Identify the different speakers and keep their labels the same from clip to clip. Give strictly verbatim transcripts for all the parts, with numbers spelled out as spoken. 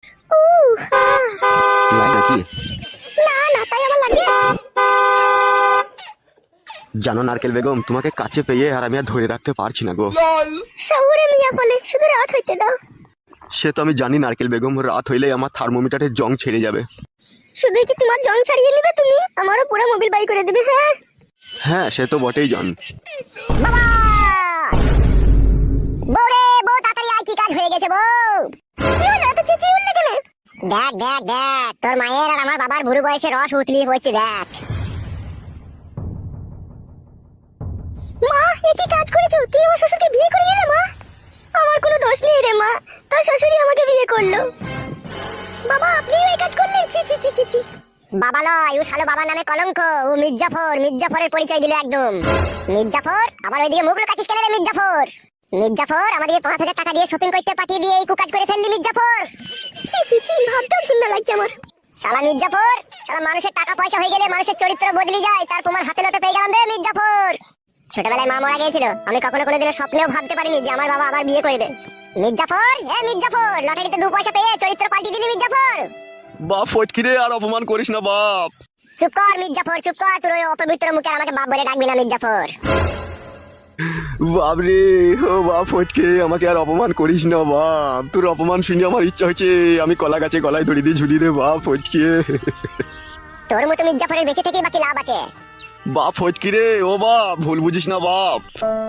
Speaker 1: ও হ্যাঁ।
Speaker 2: লাই নাকি?
Speaker 1: না না, তাই আমার লাগবে।
Speaker 2: জানো নারকেল বেগম, তোমাকে কাছে পেয়ে আর আমি আর ধরে রাখতে পারছি না গো।
Speaker 1: শহুরে মিয়া বলে শুধু রাত হইতে দাও।
Speaker 2: সে তো আমি জানি নারকেল বেগম, রাত হইলেই আমার থার্মোমিটারের জং ছেড়ে যাবে।
Speaker 1: শুধু কি তোমার জং ছাড়িয়ে নিবে তুমি? আমারও পুরো মোবিল বাই করে দেবে। হ্যাঁ
Speaker 2: হ্যাঁ সে তো বটেই জান।
Speaker 1: বাবা বউরে, বউ তাড়াতাড়ি আয়, কি কাজ হয়ে গেছে বউ? কি হলো এত চেঁচিয়ে উঠলে কেন? দেখ দেখ দেখ, তোর মায়ের আর আমার বাবার বুড়ো বয়সে রস উতলি হচ্ছে দেখ। মা এ কি কাজ করেছো? তুমি আমার শ্বশুরকে বিয়ে করে নিলে মা? আমার কোনো দোষ নেই রে মা, তোর শ্বশুরই আমাকে বিয়ে করলো। বাবা আপনিও এই কাজ করলেন? ছি ছি ছি ছি ছি। বাবা নয়, ও শালো বাবার নামে কলঙ্ক। ও মির্জাফর, মির্জাফরের পরিচয় দিল একদম। মির্জাফর আবার ওইদিকে মুখ লুকাচ্ছিস কেন রে মির্জাফর? মির্জাফর আমাদের পাঁচ হাজার টাকা দিয়ে শপিং করতে পাঠিয়ে দিয়ে এই কুকাজ করে ফেললি মির্জাফর। ছি ছি ছি, ভাবতেও ঘৃণা লাগছে আমার। শালা মির্জাফর, শালা মানুষের টাকা পয়সা হয়ে গেলে মানুষের চরিত্র বদলে যায়, তার প্রমাণ হাতে নাতে পেয়ে গেলাম রে মির্জাফর। ছোটবেলায় মা মারা গিয়েছিল, আমি কখনো কোনোদিনও স্বপ্নেও ভাবতে পারিনি যে আমার বাবা আবার বিয়ে করবে। মির্জাফর, হ্যাঁ মির্জাফর, লটারিতে দু পয়সা পেয়ে চরিত্র পাল্টি দিলি মির্জাফর।
Speaker 2: বাপ ফটকিরে, আর অপমান করিস না বাপ।
Speaker 1: চুপ কর মির্জাফর, চুপ কর, তোর ওই অপবিত্র মুখে আমাকে বাপ বলে ডাকবি না মির্জাফর।
Speaker 2: বাপ রে, ও বাপ ফটকে, আমাকে আর অপমান করিস না বাপ। তোর অপমান শুনে আমার ইচ্ছা হচ্ছে আমি কলা গাছে গলায় দড়ি দিয়ে ঝুলি রে বাপ ফটকে।
Speaker 1: তোর মতো মির্জাফরের বেঁচে থেকে বাকি লাভ আছে?
Speaker 2: বাপ ফটকিরে, ও বাপ ভুল বুঝিস না বাপ।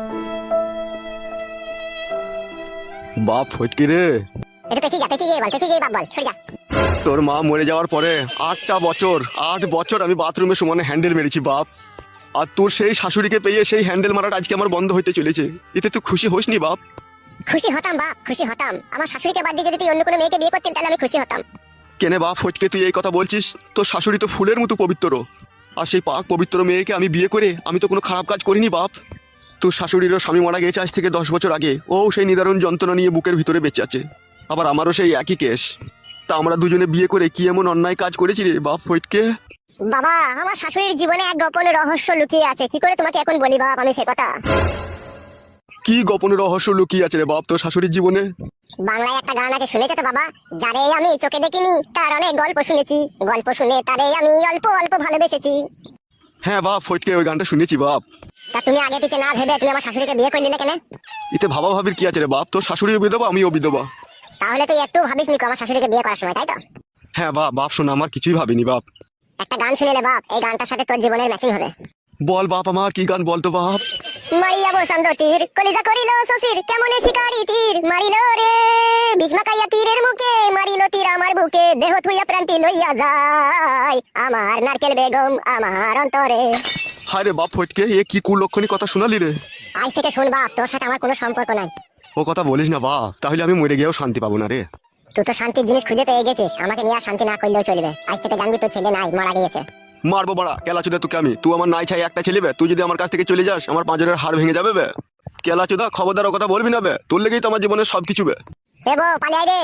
Speaker 2: বাপ ফটকিরে,
Speaker 1: এটা পেছি যা, পেছি যা, বল পেছি যা, বাপ বল, সরে যা।
Speaker 2: তোর মা মরে যাওয়ার পরে আটটা বছর আট বছর আমি বাথরুমে সমানে হ্যান্ডেল মেরেছি বাপ। আর তোর সেই শাশুড়িকে পেয়ে সেই হ্যান্ডেল মারাটা আজকে আমার বন্ধ হইতে চলেছে। এতে তুই খুশি হোস নি বাপ?
Speaker 1: খুশি হতাম বাপ, খুশি হতাম। আমার শাশুড়িকে বাদ দিয়ে যদি তুই অন্য কোনো মেয়েকে বিয়ে করতেন তাহলে আমি খুশি হতাম।
Speaker 2: কেনে বাপ ফটকে তুই এই কথা বলছিস? তোর শাশুড়ি তো ফুলের মতো পবিত্র, আর সেই পাক পবিত্র মেয়েকে আমি বিয়ে করে আমি তো কোনো খারাপ কাজ করিনি বাপ। তোর শাশুড়িরও স্বামী মারা গেছে আজ থেকে দশ বছর আগে, ও সেই নিদারুণ যন্ত্রণা নিয়ে বুকের ভিতরে বেঁচে আছে। আবার আমারও সেই একই কেস। তা আমরা দুজনে বিয়ে করে কি এমন অন্যায় কাজ করেছি রে বাপ ফটকে?
Speaker 1: বাবা আমার শাশুড়ির জীবনে এক গোপন রহস্য লুকিয়ে আছে, কি করে তোমাকে এখন বলি বাপ আমি সে কথা।
Speaker 2: কি গোপন রহস্য লুকিয়ে আছে রে বাপ তোর শাশুড়ির জীবনে?
Speaker 1: বাংলায় একটা গান আছে, শুনেছো তো বাবা? যারে আমি চোখে দেখিনি তার অনেক গল্প শুনেছি, গল্প শুনে তারে আমি অল্প অল্প ভালোবেসেছি।
Speaker 2: হ্যাঁ বাপ ফটকে, ওই গানটা শুনেছি বাপ।
Speaker 1: তা তুমি আগে পিছে না ভেবে তুমি আমার শাশুড়িকে বিয়ে করে নিলে কেন?
Speaker 2: এতে ভাবা ভাবির কি আছে রে বাপ? তোর শাশুড়িও বিধবা আমিও বিধবা।
Speaker 1: তাহলে তুই একটু ভাবিস নি আমার শাশুড়িকে বিয়ে করার সময়, তাই তো?
Speaker 2: হ্যাঁ বাপ, বাপ শোনা আমার কিছুই ভাবিনি বাপ।
Speaker 1: একটা গান শুনেলে বাপ, এই গানটার সাথে তোর জীবনের ম্যাচিং হবে।
Speaker 2: বল বাপ আমার, কি গান বলতো বাপ?
Speaker 1: মারিয়া বসন্ত তীর কলিজা করিল শশীর, কেমনে শিকারি তীর মারিল রে, ভীষ্মাকাইয়া তীরের মুখে মারিল তীর আমার বুকে, দেহ থুইয়া প্রান্তি লইয়া যায় আমার নারকেল বেগম আমার অন্তরে।
Speaker 2: হায় রে বাপ ফটকে, এ কি কুলক্ষণী কথা শোনালি রে?
Speaker 1: আজ থেকে শোন বাপ, তোর সাথে আমার কোনো সম্পর্ক নাই।
Speaker 2: ও কথা বলিস না বাপ, তাহলে আমি মরে গিয়েও শান্তি পাবো না রে।
Speaker 1: তুই তো শান্তির জিনিস খুঁজে পেয়ে গেছিস, আমাকে নিয়ে আর শান্তি না করলেও চলবে। আজ থেকে জানবি তোর ছেলে নাই, মারা গিয়েছে।
Speaker 2: মারবো বাড়া কেলা চোদা তোকে আমি। তুই আমার নাই ছাই একটা ছেলে বে, তুই যদি আমার কাছ থেকে চলে যাস আমার পাঁজরের হাড় ভেঙে যাবে বে। কেলা চোদা খবরদার ও কথা বলবি না বে, তোর লেগেই তো আমার জীবনের সবকিছু বে।
Speaker 1: এ বউ পালিয়ে আয় রে।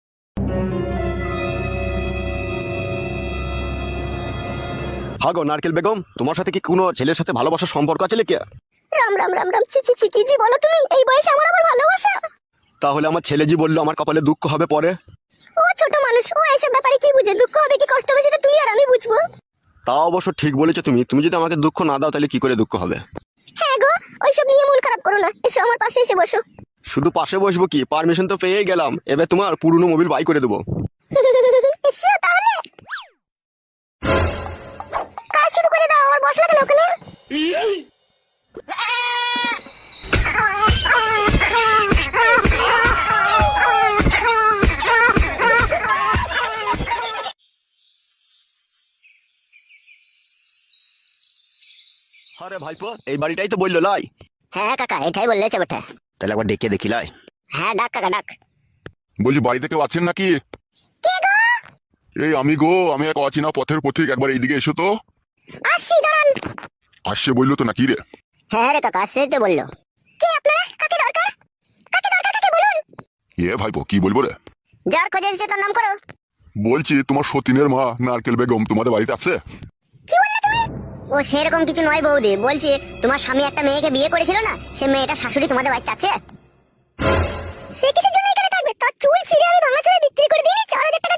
Speaker 2: হাগো নারকেল বেগম, তোমার সাথে কি কোনো ছেলের সাথে ভালোবাসার সম্পর্ক আছে লেকে?
Speaker 1: রাম রাম রাম রাম, ছি ছি ছি, কি জি বলো তুমি? এই বয়সে আমার আবার ভালোবাসা?
Speaker 2: তাহলে আমার ছেলে জি বললো আমার কপালে দুঃখ হবে পরে।
Speaker 1: ও ছোট মানুষ, ও এইসব ব্যাপারে কি বুঝে? দুঃখ হবে কি কষ্ট হবে সেটা তুমি আর আমি বুঝবো।
Speaker 2: তা অবশ্য ঠিক বলেছো তুমি। তুমি যদি আমাকে দুঃখ না দাও তাহলে কি করে দুঃখ হবে?
Speaker 1: হ্যাঁ গো, ওইসব নিয়ে মন খারাপ করো না, এসো আমার পাশে এসে বসো।
Speaker 2: শুধু পাশে বসবো কি, পারমিশন তো পেয়েই গেলাম, এবার তোমার পুরনো মোবিল বাই করে দেবো।
Speaker 1: এসো তাহলে, কাজ শুরু করে দাও। আমার বসা কেন ওখানে?
Speaker 2: আরে ভাইপো, এই বাড়িটাই তো বললো লাই।
Speaker 1: হ্যাঁ কাকা, এটাই বললেছে বটে।
Speaker 2: তাহলে একবার ডেকে দেখি লাই।
Speaker 1: হ্যাঁ ডাক কাকা ডাক।
Speaker 3: বলছি বাড়িতে কেউ আছেন নাকি?
Speaker 1: কে গো?
Speaker 3: এই আমি গো, আমি এক অচেনা পথের পথিক, একবার এইদিকে এসো তো।
Speaker 1: আসছি দাঁড়ান।
Speaker 3: আসছে বললো তো নাকি রে?
Speaker 1: হ্যাঁ রে কাকা, আসছে তো বললো। কে আপনারা? কাকে দরকার? কাকে দরকার কাকে বলুন।
Speaker 3: এ ভাইপো কি বলবো রে?
Speaker 1: যার খোঁজে এসেছে তার নাম করো।
Speaker 3: বলছি তোমার সতীনের মা নারকেল বেগম তোমাদের বাড়িতে আছে?
Speaker 1: কি বললে তুমি? ও সেরকম কিছু নয় বৌদি, বলছি তোমার স্বামী একটা মেয়েকে বিয়ে করেছিল না, সে মেয়েটা শাশুড়ি তোমাদের বাড়িতে আছে। সে কিসের জন্য এখানে থাকবে? তার চুল ছিঁড়ে আমি ভাঙা চুলে বিক্রি করে দিয়ে চার হাজার টাকা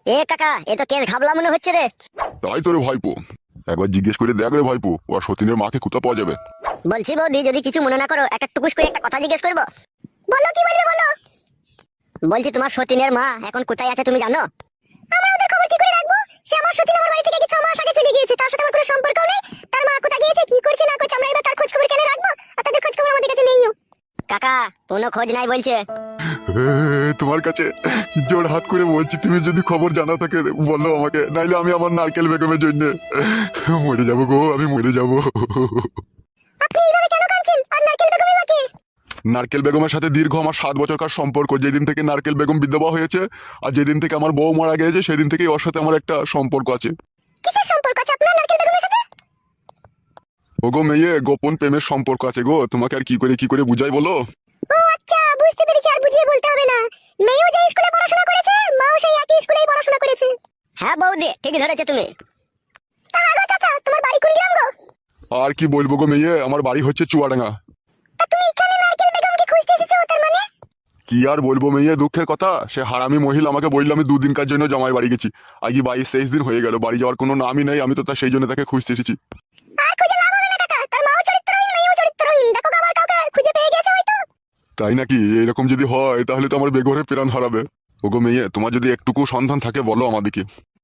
Speaker 1: এ কাকা এ তো কেস ঘাবলা মনে হচ্ছে রে।
Speaker 3: তাই তোরে ভাইপো, একবার জিজ্ঞেস করে দেখ রে ভাইপো, ও আর সতীনের মাকে কোথা পাওয়া যাবে।
Speaker 1: বলছি বৌদি যদি কিছু মনে না করো একটা টুকুস করে একটা কথা জিজ্ঞেস করবো। বলো কি বলবে বলো। বলছি তোমার সতীনের মা এখন কোথায় আছে তুমি জানো? আমরা ওদের খবর কি করে রাখবো? সে আমার সতীন আমার বাড়ি থেকে কি ছ মাস আগে চলে গিয়েছে, তার সাথে আমার কোনো সম্পর্ক নেই। তার মা কোথায় গিয়েছে কি করছে না করছে আমরা এবার তার খোঁজ খবর কেন রাখবো? আর তাদের খোঁজ খবর আমাদের কাছে নেইও। কাকা কোনো খোঁজ নাই বলছে।
Speaker 3: এ, তোমার কাছে জোর হাত করে বলছি, তুমি যদি খবর জানা থাকে বলো আমাকে, নাইলে আমি আমার নারকেল বেগমের জন্য মরে যাবো গো, আমি মরে যাবো।
Speaker 1: আপনি এইভাবে কেন কাঁদছেন? আর নারকেল বেগমের মাকে?
Speaker 3: নারকেল বেগমের সাথে দীর্ঘ আমার সাত বছরকার সম্পর্ক। যেদিন থেকে নারকেল বেগম বিধবা হয়েছে আর যেদিন থেকে আমার বউ মারা গেছে সেদিন থেকেই ওর সাথে আমার একটা সম্পর্ক আছে।
Speaker 1: কিসের সম্পর্ক আছে আপনার নারকেল বেগমের সাথে?
Speaker 3: ওগো মেয়ে, গোপন প্রেমের সম্পর্ক আছে গো, তোমাকে আর কি করে কি করে বুঝাই বলো।
Speaker 1: ও আচ্ছা বুঝতে পেরেছি, আর বুঝিয়ে বলতে হবে না। মেয়েও যে স্কুলে পড়াশোনা করেছে মাও সেই একই স্কুলেই পড়াশোনা করেছে। হ্যাঁ বৌদি ঠিকই ধরেছো তুমি। তা আগো চাচা তোমার বাড়ি কোন গ্রাম গো?
Speaker 3: আর কি বলবো গো মেয়ে, আমার বাড়ি হচ্ছে চুয়াডাঙ্গা।
Speaker 1: তা তুমি এখানে নারকেল বেগমকে খুঁজতে এসেছো তার মানে?
Speaker 3: কি আর বলবো মেয়ে, দুঃখের কথা, সে হারামি মহিলা আমাকে বললো আমি দুদিনকার জন্য জামাই বাড়ি গেছি। আজকে বাইশ তেইশ দিন হয়ে গেল, বাড়ি যাওয়ার কোনো নামই নেই। আমি তো তা সেই জন্য তাকে খুঁজতে এসেছি।
Speaker 1: আর খুঁজে লাভ হবে না কাকা, তার মাও চরিত্রহীন মেয়েও চরিত্রহীন। দেখো গো, আবার কাউকে খুঁজে পেয়ে গেছে হয়তো।
Speaker 3: তাই নাকি? এরকম যদি হয় তাহলে তো আমার বেঘরে প্রাণ হারাবে। ওগো মেয়ে, তোমার যদি একটুকু সন্ধান থাকে বলো আমাদেরকে।